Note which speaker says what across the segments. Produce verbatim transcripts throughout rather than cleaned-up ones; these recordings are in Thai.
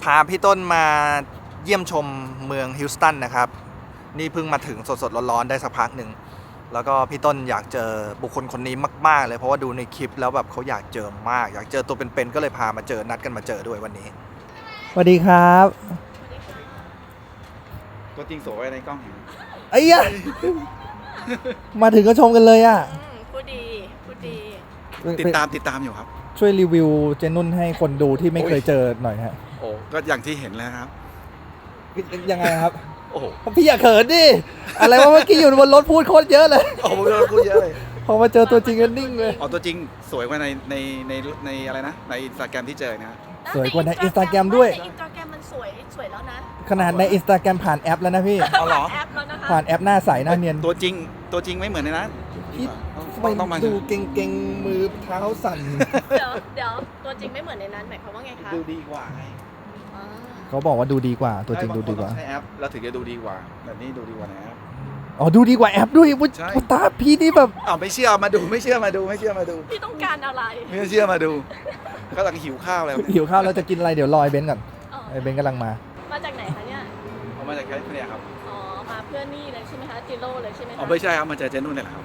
Speaker 1: าพี่ต้นมาเยี่ยมชมเมืองฮิวสตันนะครับนี่เพิ่งมาถึงสดๆร้อนๆได้สักพักหนึ่งแล้วก็พี่ต้นอยากเจอบุคคลคนนี้มากๆเลยเพราะว่าดูในคลิปแล้วแบบเขาอยากเจอมากอยากเจอตัวเป็นๆก็เลยพามาเจอนัดกันมาเจอด้วยวันนี้
Speaker 2: สวัสดีครับ
Speaker 3: ตัวจริงสวยในกล้องเห็น
Speaker 2: ไอ้ยะมาถึงก็ชมกันเลยอ่ะ
Speaker 4: พูดดีพูดดี
Speaker 3: ติดตามติดตามอยู่ครับ
Speaker 2: ช่วยรีวิวเจนุ่นให้คนดูที่ไม่เคยเจอหน่อยฮะ
Speaker 3: โอ้ก็อย่างที่เห็นแล้วครับ
Speaker 2: ยังไงครับ
Speaker 3: โอ้โห
Speaker 2: พี่อย่าเขินดิอะไรวะเมื่อกี้อยู่บนรถพูดโคตรเยอะเลย
Speaker 3: โอ้โหพูดเยอะเลย
Speaker 2: พอมาเจอตัวจริงก็นิ่งเลย
Speaker 3: อ๋อตัวจริงสวยกว่าในในในในอะไรนะในอินสตาแกรมที่เจอนะ
Speaker 2: สวยกว่าในอินสตาแกรมด้วย
Speaker 4: ในอินสตาแกรมมันสวยสวยแล้วนะ
Speaker 2: ขนาดในอินสตาแกรมผ่านแอปแล้วนะพี่
Speaker 3: เอาเหรอ
Speaker 2: ผ่านแอปหน้าใสหน้าเนียน
Speaker 3: ตัวจริงตัวจริงไม่เหมือนในนั้น
Speaker 2: พี่ต้องมาดูเก่งๆมือเท้าสั่น
Speaker 4: เดี๋ยวเดี๋ยวตัวจริงไม่เหมือนในนั้นหมายความว่าไงคะ
Speaker 3: ดูดีกว่าไง
Speaker 2: เขาบอกว่าดูดีกว่าตัวจริงดูดีกว่า
Speaker 3: ใช้แอปแล้วถึงจะดูดีกว่าแบบนี้ดูดีกว่าในแอป
Speaker 2: อ๋อดูดีกว่าแอปด้วยวุ้ยตาพี่นี่แบบ
Speaker 3: อ้าวไม่เชื่อมาดูไม่เชื่อมาดูไม่เชื่อมาดู
Speaker 4: พี่ต้องการอะไร
Speaker 3: ไม่เชื่อมาดูกำลังหิวข้าวแล้ว
Speaker 2: หิวข้าวแล้วจะกินอะไรเดี๋ยวรอไอ้เบนก่อนไอ้เบนกำลังมา
Speaker 4: มาจากไหนคะเนี่ย
Speaker 3: ผมมาจากแคลิฟอร์เนียครับ
Speaker 4: อ๋อมาเพื่อนนี่เลยใช่ไหมคะจิโร่เลยใช่ไหมคะ
Speaker 3: อ๋อไม่ใช่ครับมาจากเจนุ่นนี่แหละครับ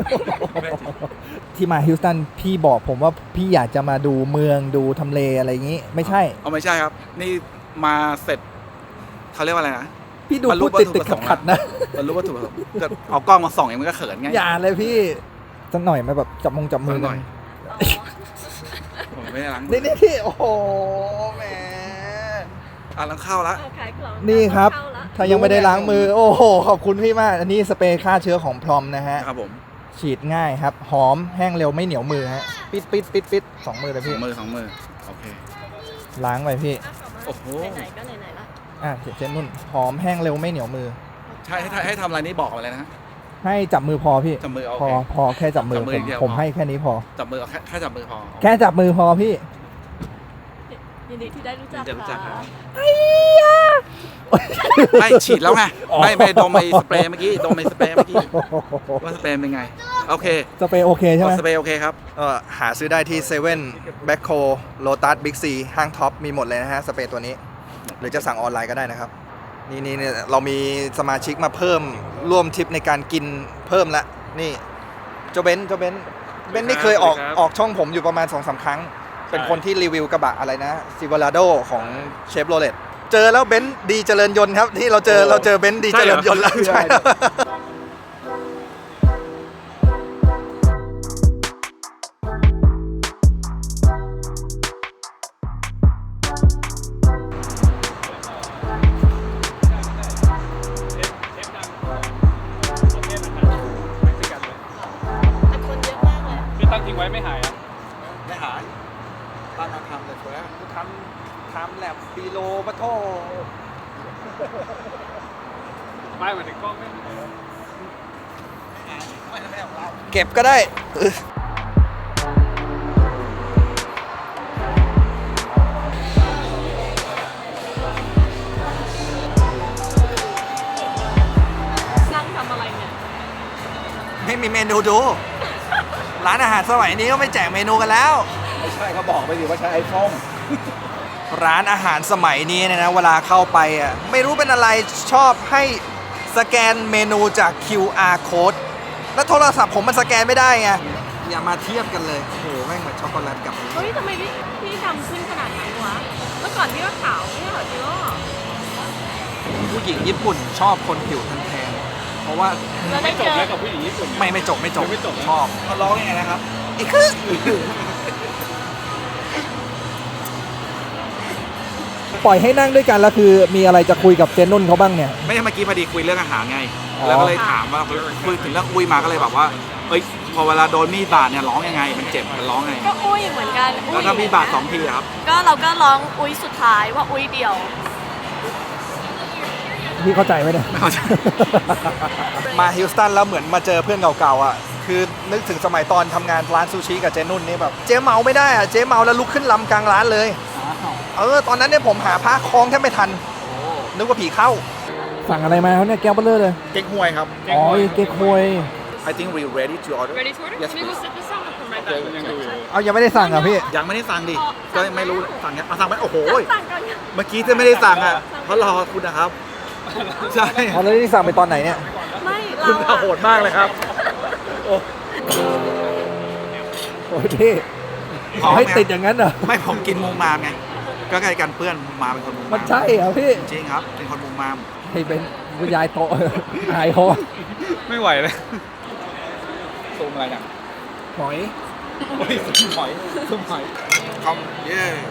Speaker 2: ที่มาฮิวสตันพี่บอกผมว่าพี่อยากจะมาดูเมืองดูทำเลอะไรอย่างนี้ไม่ใช่
Speaker 3: อ๋อไม่ใช่ครับนี่มาเสร็จเขาเรียกว่าอะไรนะ
Speaker 2: พี่ดูพูดติดติดขัดๆนะ
Speaker 3: บรรลุวัตถุประสงค์จะเอากล้องมาส่องเองมันก็เขินไง
Speaker 2: อย่าเลยพี่สักหน่อยมาแบบจับมงจับมือ
Speaker 3: หน่อยผมไม่ได้ล้าง
Speaker 2: นี่นี่ที่โอ้โหแหม
Speaker 3: อ่ะล้างข้าวละ
Speaker 2: นี่ครับถ้ายังไม่ได้ล้างมือโอ้โหขอบคุณพี่มากอันนี้สเปรย์ฆ่าเชื้อของพรอมนะฮะ
Speaker 3: ครับผม
Speaker 2: ฉีดง่ายครับหอมแห้งเร็วไม่เหนียวมือฮะปิดปิดปิดปิดสองมือเลยพี่
Speaker 3: สองมือสองมือโอเค
Speaker 2: ล้างไปพี่
Speaker 3: โอ้โห
Speaker 4: ไหนก็ไหนๆละ
Speaker 2: อ่ะเจนนุ่นหอมแห้งเร็วไม่เหนียวมือ
Speaker 3: ใช่ให้ให้ทำอะไรนี่บอกอะไรนะ
Speaker 2: ให้จับมือพอพี่
Speaker 3: จับมือ
Speaker 2: พอพอแค่จับมือผมผมให้แค่นี้พอ
Speaker 3: จับมือแค่แค่จับมือพอ
Speaker 2: แค่จับมือพอพี่
Speaker 4: ยินดีที่ได้รู้จักค่ะ
Speaker 2: ไอ้ยา
Speaker 3: ไม่ฉีดแล้วไงไม่ไม่ดมไอ้สเปรย์เมื่อกี้ดมไอ้สเปรย์เมื่อกี้ว่าสเปรย์เป็นไงโอเค
Speaker 2: สเปรย์โอเคใช่ไหม
Speaker 3: สเปรย์โอเคครับ
Speaker 1: เออหาซื้อได้ที่เซเว่นแบ็คโคโลตัสบิ๊กซีห้างท็อปมีหมดเลยนะฮะสเปรย์ตัวนี้หรือจะสั่งออนไลน์ก็ได้นะครับนี่นี่นี่เรามีสมาชิกมาเพิ่มร่วมทริปในการกินเพิ่มละนี่โจเบนโจเบนเบนนี่เคยออกออกช่องผมอยู่ประมาณ สองสาม ครั้งเป็นคนที่รีวิวกระบะอะไรนะซิวาราโดของเชฟโรเลตเจอแล้วเบนดีเจริญยนต์ครับที่เราเจอเราเจอเบนดีเจริญยนต์แล้วใช่
Speaker 4: ตั้งทิ้งไว้ไม่หายอ่ะ
Speaker 3: ไม่หายตั้งมาทำเลยช่วย
Speaker 1: ทำทำแลบปีโลปะโท
Speaker 4: ไม่เหมือนกล้องไม่
Speaker 1: เก็บก็ได้
Speaker 4: นั่งทำอะไรเนี่ย
Speaker 1: ไม่มีเมนูดูร้านอาหารสมัยนี้ก็ไม่แจกเมนูกันแล้ว
Speaker 3: ไม่ใช่เขาบอกไปสิว่าใช้ไอโฟน
Speaker 1: ร้านอาหารสมัยนี้เนี่ยนะเวลาเข้าไปอ่ะไม่รู้เป็นอะไรชอบให้สแกนเมนูจาก คิว อาร์ code แล้วโทรศัพท์ผมมันสแกนไม่ได้ไงอย่ามาเทียบกันเลยโอ้โหแม่งเหมือนช็อกโกแลตกับ
Speaker 4: เฮ้ยทำไมพี่พี่ทำขึ้นขนาดนั้นวะเมื่อก่อนพี่ก็ขาวไม่ใช่เหรอจิโร่
Speaker 1: ผู้หญิงญี่ปุ่นชอบคนผิวแทนๆเพราะว่า
Speaker 4: ไม่
Speaker 1: จบ
Speaker 4: แล้ว
Speaker 1: กับผู้หญิงญี่ปุ่นไม่ไม่จบไม่จบไม่จบชอบ
Speaker 3: เขาร้องยังไงนะครับ
Speaker 1: อีกคือ
Speaker 2: ปล่อยให้นั่งด้วยกันแล้วคือมีอะไรจะคุยกับเจนนุ่นเขาบ้างเนี่ย
Speaker 3: ไม่ใช่เมื่อกี้พอดีคุยเรื่องอาหารไงแล้วก็เลยถามว่าคุยถึงเรื่องอุ้ยมาก็เลยแบบว่าเอ้ยพอเวลาโดนมีดบาดเนี่ยร้องยังไงมันเจ็บมันร้องไง
Speaker 4: ก็อุ้ยเหมือนกัน
Speaker 3: แล้วถ้ามีดบาดสองทีครับ
Speaker 4: ก็เราก็ร้องอุ้ยสุดท้ายว่าอุ้ยเดียว
Speaker 2: พี่เข้าใจไหมเนี่ย
Speaker 1: ไม่เข้าใจมาฮิวสตันแล้วเหมือนมาเจอเพื่อนเก่าๆอ่ะคือนึกถึงสมัยตอนทำงานร้านซูชิกับเจนุ่นนี่แบบเจ๊เมาไม่ได้อ่ะเจ๊เมาแล้วลุกขึ้นลำกลางร้านเลยเออตอนนั้นเนี่ยผมหาผ้าคล้องแทบไม่ทันนึกว่าผีเข้า
Speaker 2: สั่งอะไรมาเขาเนี่ยแก้วเบลเลอร์เลย
Speaker 3: เก๊กฮวยครับ
Speaker 2: อ๋อเก๊กฮวย
Speaker 3: I think we're ready to order
Speaker 4: ready to order
Speaker 3: yes
Speaker 4: can we go sit this out from right
Speaker 3: ยังดูอยู่
Speaker 2: เอายังไม่ได้สั่งอ่ะพี่
Speaker 3: ยังไม่ได้สั่งดิก็ไม่รู้สั่งเนี้ยเอาสั่งไปโอ้โห
Speaker 4: สั่งก่อนค่ะ
Speaker 3: เมื่อกี้จะไม่ได้สั่งอ่ะเพราะรอคุณนะครับใช่
Speaker 2: เอาแล้วนี่สั่งไปตอนไหนเนี่ย
Speaker 4: ไม่เรา
Speaker 3: คุณ
Speaker 4: อะ
Speaker 3: โหดมากเลยครับโอ้
Speaker 2: โอ้ยพี่ขอให้ติดอย่างนั้นเหรอ
Speaker 3: ไม่ผมกินมุมมามไงก็ใกล้กันเพื่อนมุมมามเป็นคนมุม
Speaker 2: มั
Speaker 3: มาน ม
Speaker 2: ใช่เหรอพี่
Speaker 3: จริงครับเป็นคนมุมมาม
Speaker 2: ให้เป็นคุณยายโตะหายคอ
Speaker 3: ไม่ไหวเลยซูมอะไรเนี่ย
Speaker 2: หอย
Speaker 3: โอ้ยซูมหอยซูมหอยคอมเย่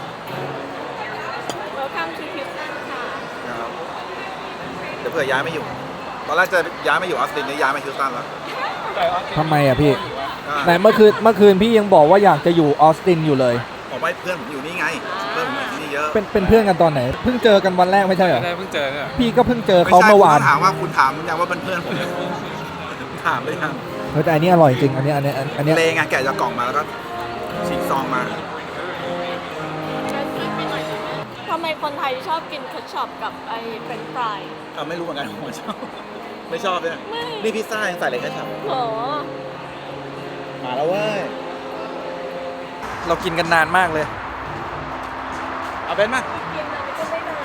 Speaker 4: Welcome to Houston ค่ะ
Speaker 3: ครับเดี๋ยวเผื่อย้ายไม่อยู่ ตอนแรกจะย้ายไม่อยู่ออสตินเนี่ยย้ายมาฮิวสตันแล้ว
Speaker 2: ทำไมอ่ะพี่
Speaker 3: ก็
Speaker 2: แต่เมื่อคืนเมื่อคืนพี่ยังบอกว่าอยากจะอยู่ออสตินอยู่เลย
Speaker 3: ผมว่าเพื่อนผมอยู่นี่ไง เพื่อนผมอยู่ที่นี่เยอะ
Speaker 2: เป็นเป็นเพื่อนกันตอนไหน เพิ่งเจอกันวันแรกไม่ใช่เหรอ
Speaker 5: ได้เพิ่งเจอเนี่ย
Speaker 2: พี่ก็เพิ่งเจอเขาเมื่อวาน
Speaker 3: ไใช่คุณต้งถามว่าคุณถามยังว่าเป็นเพื่อนผมถามเลยยัง
Speaker 2: เฮ้ยแต่อันนี้อร่อยจริง อันนี้อันนี้อันนี้
Speaker 3: เลงไงแกะจากกล่องมาแล้วก็ฉีกซองมา
Speaker 4: ทำไมคนไทยชอบกินเคทช็อปกับไอ้เฟรนช์ฟราย
Speaker 3: เอาไม่รู้เหมือนกันผมชอบไม่ชอบเลย
Speaker 4: ไม่
Speaker 3: นี่พิซซ่ายังใส่เลยแค่ฉับ
Speaker 4: โห
Speaker 3: มาแล้วเว้ย
Speaker 1: เรากินกันนานมากเลย
Speaker 3: เอาเป็นมา
Speaker 4: กินแล้วมันก็ไม่นาน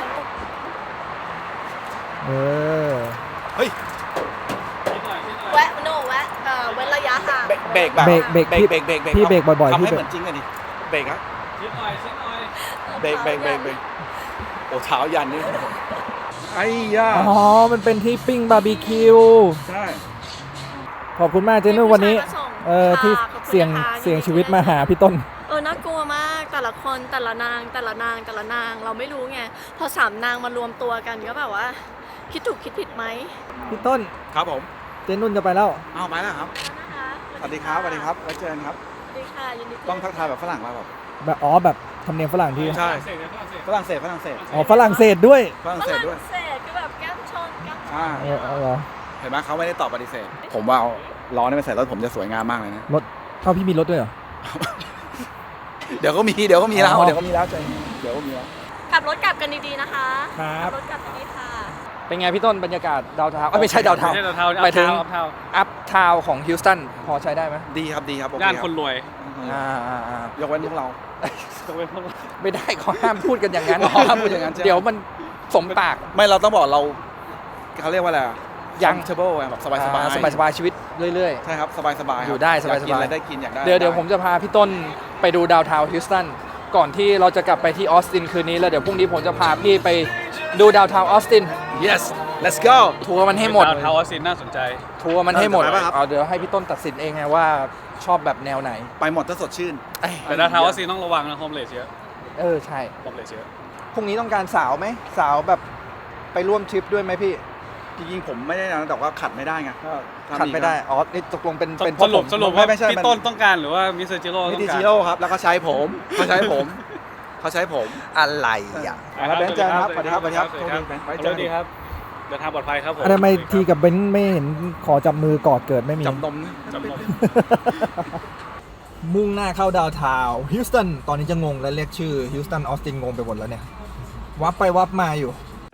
Speaker 2: เออ
Speaker 3: เฮ้ย
Speaker 4: แวะโนแวะเอ่อเว้นระยะห่าง
Speaker 3: เบรกเบรกแบบ
Speaker 2: เบรกเบรก
Speaker 3: เบรกเบรกเบรก
Speaker 2: พี่เบรกบ่อยๆ
Speaker 3: ทำ
Speaker 2: พี่
Speaker 3: ให้
Speaker 2: เบร
Speaker 3: เห
Speaker 2: ก
Speaker 3: มือนจริงกันดิเบรกครับ
Speaker 5: ชิดหน่อยชิดหน่อย
Speaker 3: เบรกเบรกเบรกเบรกโอ้เท้ายันนี่ไอ้ย่า
Speaker 2: อ๋อ มันเป็นที่ปิ้งบาร์บีคิว
Speaker 3: ใช่
Speaker 2: ขอบคุณมากเจนุ่นวันนี้
Speaker 4: ผู้ชายมาส่ง
Speaker 2: เออที่
Speaker 4: ค่ะขอบคุณ
Speaker 2: เสี่ยง
Speaker 4: นะคะ
Speaker 2: เสี่ยงชีวิตมาหาพี่ต้น
Speaker 4: เออน่ากลัวมากแต่ละคนแต่ละนางแต่ละนางแต่ละนางเราไม่รู้ไงพอสามนางมารวมตัวกันก็แบบว่า คิดถูกคิดผิดไหม
Speaker 2: พี่ต้น
Speaker 3: ครับผม
Speaker 2: เจนุ่นจะไปแล้ว
Speaker 3: เอาไปแล้วครับ
Speaker 4: นะคะ
Speaker 3: สวัสดีครับสวัสดีครับไว้เจอกันครับ
Speaker 4: สวัสดีค่ะยินดี
Speaker 3: ต้องทักทายแบบฝรั่งมาแบบ
Speaker 2: แบบอ๋อแบบทำเนียมฝรั่งที่
Speaker 3: ใช่
Speaker 5: ฝรั่งเศสเนี่ยฝรั่งเศส
Speaker 3: ฝรั่งเศส
Speaker 2: อ๋อฝรั่งเศสด้วย
Speaker 3: ฝรั่งเศสด้วย
Speaker 4: ฝรั่งเศสคือแบบแก้มชนแก้มชน
Speaker 3: อ่า
Speaker 2: เออเอาเหรอ
Speaker 3: เห็นไหมเขาไม่ได้ตอบปฏิเสธ ผมว่าเอาล้อนี่ไปใส่รถผมจะสวยงามมากเลยนะ
Speaker 2: รถเท่าพี่มีรถด้วยเหรอ
Speaker 3: เดี๋ยวก็มีเดี๋ยวก็มีแล้ว
Speaker 2: อ๋อ
Speaker 3: เดี๋ยวก็มีแล้วใจเย็นเดี๋ยวก็มีแล้ว
Speaker 4: ขับรถกลับกันดีๆนะคะ
Speaker 2: ครับ
Speaker 4: ขัรถกลับดีๆค่ะ
Speaker 2: เป็นไงพี่ต้นบรรยากาศดาวเทาวน์ไม่ใช่ดาวเทาว
Speaker 5: ไม่
Speaker 2: น์
Speaker 5: ใช่ดาวเทา
Speaker 2: หมายถึง
Speaker 5: อัพเทา
Speaker 2: อัพทาวน์ของฮิวสตันพอใช้ได้ไหม
Speaker 3: ดีครับดีครับโอเค
Speaker 5: ย่าน
Speaker 3: รับ
Speaker 5: คนรวย
Speaker 2: อ่าอ่าอ่าย
Speaker 3: กเว้นพวกเรา
Speaker 5: ยกเว้นพวกเรา
Speaker 2: ไม่ได้เขาห้ามพูดกันอย่างนั้น
Speaker 3: อ๋อห้ามพูดอย่างนั้นใช่ไหม
Speaker 2: เดี๋ยวมันสมปาก
Speaker 3: ไม่เราต้องบอกเราเขาเรียกว่าอะไรอะ
Speaker 2: ยัง
Speaker 3: เทเบิลแบบสบายสบาย
Speaker 2: สบายสบายๆชีวิตเรื่อย
Speaker 3: ใช่ครับสบายสบาย
Speaker 2: อยู่ได้สบายๆ
Speaker 3: กินอะไรได้กินอยากได้
Speaker 2: ๆ เดี๋ยวเดี๋ยวผมจะพาพี่ต้นไปดูดาวเทาวน์ฮิวสตันก่อนที่เราจะกลับไปที่ออสตินคืนนี้แล้วเดี๋ยวพรุ่งนี้ผมจะพาพี่ไปดูดาวเทาวน์ออสติน
Speaker 3: yes let's go
Speaker 2: ทัวร์มันให้หมด
Speaker 5: ดาวเทาออสซินน่าสนใจ
Speaker 2: ทัวร์มันให้หมด
Speaker 3: เออจะไปปะครับ
Speaker 2: เอาเดี๋ยวให้พี่ต้นตัดสินเองไงว่าชอบแบบแนวไหน
Speaker 3: ไปหมดถ้าสดชื่น
Speaker 2: เอ้ย
Speaker 5: แต่ดาวเทาออสซินต้องระวังนะโฮมเลสเยอะ
Speaker 2: เออใช่
Speaker 5: โฮมเลสเยอะ
Speaker 2: พรุ่งนี้ต้องการสาวไหมสาวแบบไปร่วมทริปด้วยไหมพี่
Speaker 3: จริงๆผมไม่ได้นะแต่ว่าขัดไม่ได้ไงก็ทำ
Speaker 2: ขัดไม่ได้
Speaker 3: อีก
Speaker 2: อ๋อนี่ตกลงเป็นเป็น
Speaker 5: สรุปสรุปว่า
Speaker 3: ไม่ใช่
Speaker 5: พี่ต้นต้องการหรือว่ามิสเตอร์จิโร่
Speaker 3: นะ
Speaker 5: ต้
Speaker 3: มิ
Speaker 5: อง
Speaker 3: ติ
Speaker 5: การ
Speaker 3: จิโร่ครับแล้วก็ใช้ผมเขาใช้ผมเขาใช้ผม
Speaker 2: อะไรอ่ะ
Speaker 3: ครับเบนซ์เจอกันครับสวัสดีครับสวัสดีครับ
Speaker 5: สวัสดีครับ
Speaker 3: ไว้เจอกัน
Speaker 5: สวัสดีครับเดินทางปลอดภัยครับผม
Speaker 2: อะทำไมทีกับเบนซ์ไม่เห็นขอจับมือกอดเกิดไม่มี
Speaker 3: จับนม
Speaker 5: จำนม
Speaker 2: มุ่งหน้าเข้าดาวน์ทาวน์ฮิวสตันตอนนี้จะงงและเรียกชื่อฮิวสตันออสตินงงไปหมดแล้วเนี่ย วับไปวับมาอยู่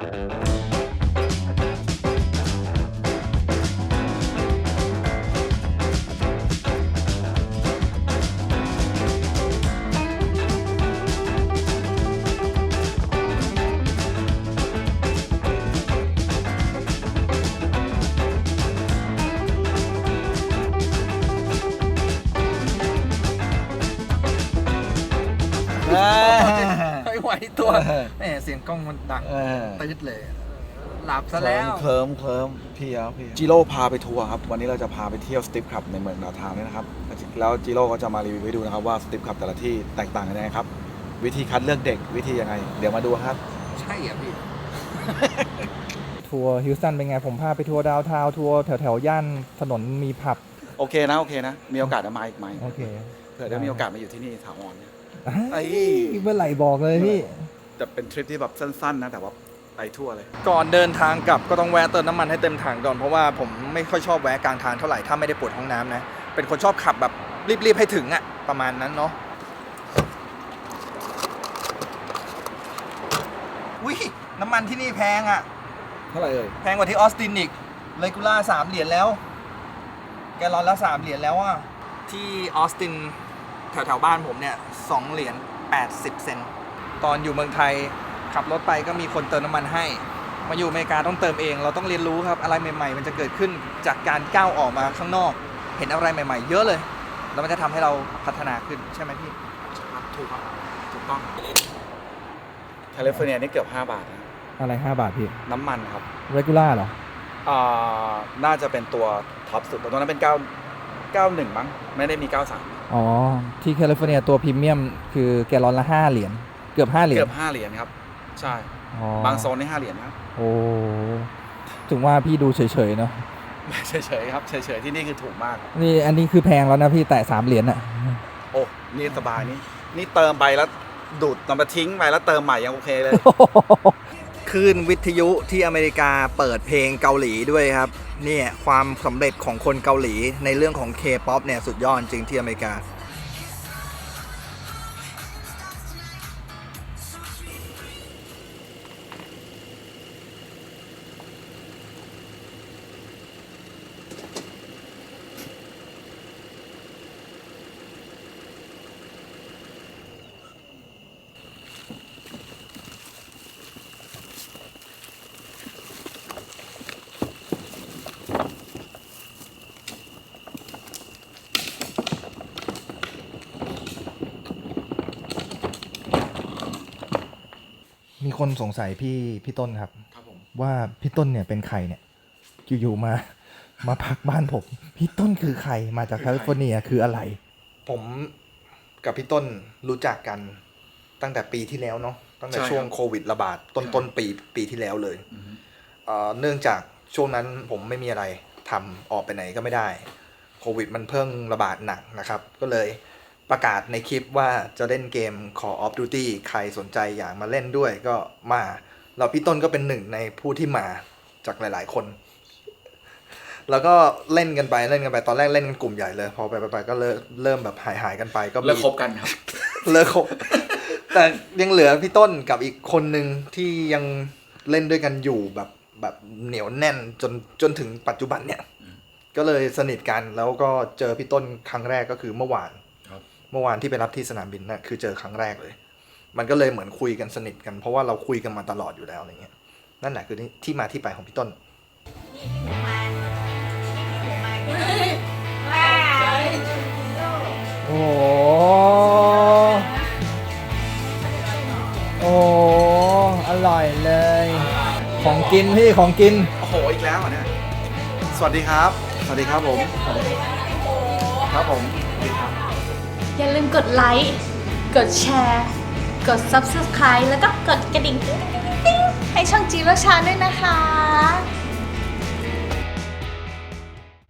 Speaker 2: ไม่ไหวตัวแหมเสียงกล้องมันดังตืดเลย หลับซะแล้ว
Speaker 3: เคลิ้มเคลิ้มพี่ครับพี่จิโร่พาไปทัวร์ครับวันนี้เราจะพาไปเที่ยวสติปคลับในเมืองดาวทาวน์นี่นะครับแล้วจิโร่ก็จะมารีวิวให้ดูนะครับว่าสติปคลับแต่ละที่แตกต่างกันยังไงครับวิธีคัดเลือกเด็กวิธียังไง เดี๋ยวมาดูครับ
Speaker 2: ใช่อ่ะพี่ ทัวร์ฮิวสตันเป็นไง ผมพาไปทัวร์ดาวน์ทาวน์ทัวร์แถวแถวๆย่านถนนมีผับ
Speaker 3: โอเคนะโอเคนะมีโอกาสจะมาอีกไหม
Speaker 2: โอเค
Speaker 3: เผื่อได้มีโอกาสมาอยู่ที่นี่ถาวร ไอ้
Speaker 2: ไอ้เมื่อไหร่บอกเลยพี่
Speaker 3: จะเป็นทริปที่แบบสั้นๆนะแต่ว่าไปทั่วเลย
Speaker 1: ก่อนเดินทางกลับก็ต้องแวะเติมน้ำมันให้เต็มถังก่อนเพราะว่าผมไม่ค่อยชอบแวะกลางทางเท่าไหร่ถ้าไม่ได้ปวดห้องน้ำนะ เป็นคนชอบขับแบบรีบๆให้ถึงอะประมาณนั้นเนาะวิน้ำมันที่นี่แพงอะ
Speaker 3: เท่าไหร่เอ่ย
Speaker 1: แพงกว่าที่ออสตินอีกเลกูล่าสามเหรียญแล้ว แกลลอนละสามเหรียญแล้วอะที่ออสตินแถวแถวๆบ้านผมเนี่ยสองเหรียญแปดสิบเซนต์ตอนอยู่เมืองไทยขับรถไปก็มีคนเติมน้ำมันให้ มาอยู่อเมริกาต้องเติมเอง เราต้องเรียนรู้ครับอะไรใหม่ๆ มันจะเกิดขึ้นจากการก้าวออกมาข้างนอก เห็นอะไรใหม่ๆ เยอะเลย แล้วมันจะทำให้เราพัฒนาขึ้นใช่ไหมพี่
Speaker 3: ครับถูกครับถูกต้องแคลิฟอร์เนียนี่เกือบห้าบาทนะ
Speaker 2: อะไรห้าบาทพี่
Speaker 3: น้ำมันครับ
Speaker 2: regular เหรอ
Speaker 3: อ่าน่าจะเป็นตัวท็อปสุดแต่ตัวนั้นเป็นเก้า เก้าหนึ่งมั้งไม่ได้มีเก้าสาม
Speaker 2: อ๋อ ที่แคลิฟอร์เนียตัวพรีเมียมคือแกลลอนละห้าเหรียญเกือบห้าเหรียญ
Speaker 3: เกือบห้าเหรียญครับ ใช่
Speaker 2: อ๋อบ
Speaker 3: างโซนนี่ห้าเหรียญนะครับ
Speaker 2: โอ้ถึงว่าพี่ดูเฉยๆเนาะ
Speaker 3: เฉยๆครับเฉยๆที่นี่คือถูกมาก
Speaker 2: นี่อันนี้คือแพงแล้วนะพี่แต่สามเหรียญอะ
Speaker 3: โอ้นี่สบายนี่นี่เติมไปแล้วดูดนำมาทิ้งไปแล้วเติมใหม่ยังโอเคเลย
Speaker 1: คลื่นวิทยุที่อเมริกาเปิดเพลงเกาหลีด้วยครับเนี่ยความสำเร็จของคนเกาหลีในเรื่องของ K-POP เนี่ยสุดยอดจริงที่อเมริกา มีคนสงสัยพี่พี่ต้นครับ
Speaker 3: ครับผม
Speaker 1: ว่าพี่ต้นเนี่ยเป็นใครเนี่ยอยู่ๆมา มาพักบ้านผม พี่ต้นคือใครมาจากแคลิฟอร์เนียคืออะไร ผมกับพี่ต้นรู้จักกันตั้งแต่ปีที่แล้วเนาะตั้งแต่ช่วงโควิดระบาดต้นต้นปีปีที่แล้วเลยเอ่อเนื่องจากช่วงนั้นผมไม่มีอะไรทำออกไปไหนก็ไม่ได้โควิดมันเพิ่งระบาดหนักนะครับ ก็เลยประกาศในคลิปว่าจะเล่นเกม Call of Duty ใครสนใจอยากมาเล่นด้วยก็มาเราพี่ต้นก็เป็นหนึ่งในผู้ที่มาจากหลายๆคน แล้วก็เล่นกันไปเล่นกันไปตอนแรกเล่นกันกลุ่มใหญ่เลย พอไปไปๆก็เริ่มเริ่มแบบหายหายๆกันไปก็มี
Speaker 3: เลิกคบกันครับ
Speaker 1: เลิกคบ แต่ยังเหลือพี่ต้นกับอีกคนหนึ่งที่ยังเล่นด้วยกันอยู่แบบแบบเหนียวแน่นจนจนถึงปัจจุบันเนี่ย ก็เลยสนิทกันแล้วก็เจอพี่ต้นครั้งแรกก็คือเมื่อวาน
Speaker 3: ครับ
Speaker 1: เมื่อวานที่ไปรับที่สนามบินนะ่ะคือเจอครั้งแรกเลย มันก็เลยเหมือนคุยกันสนิทกันเพราะว่าเราคุยกันมาตลอดอยู่แล้วอะไรเงี้ยนั่นแหละคือที่มาที่ไปของพี่ต้น
Speaker 2: โอ้โหโอ้อร่อยเลย ของกินพี่ของกิน
Speaker 3: โอ้โหอีกแล้วอ่ะเนี่ยสวัสดีครับ สวัสดีครับผมครับผมสวัสดีครับ
Speaker 6: อย่าลืมกดไลค์ กดแชร์ กด ซับสไครบ์ แล้วก็กดกระดิ่งติ๊งติ๊งติ๊งให้ช่องจีโรชาด้วยนะคะ